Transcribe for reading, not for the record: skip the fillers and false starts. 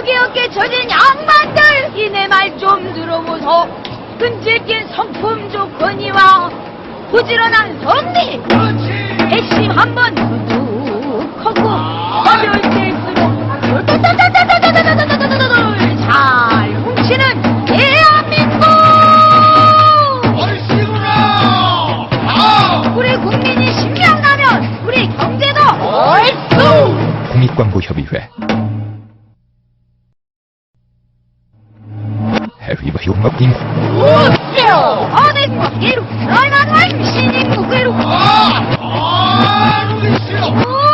여기 어깨 젖은 양반들 이내 말 좀 들어보소. 끈질긴 성품 조건이와 부지런한 성리 핵심 한번 툭하고 가벼울 때일수록 잘 훔치는 대한민국. 우리 국민이 신명나면 우리 경제도 얼쑤. 국립광고협의회 해위와 욕먹임 어느 국기로 얼마나 신인 국기로 우리 싫어.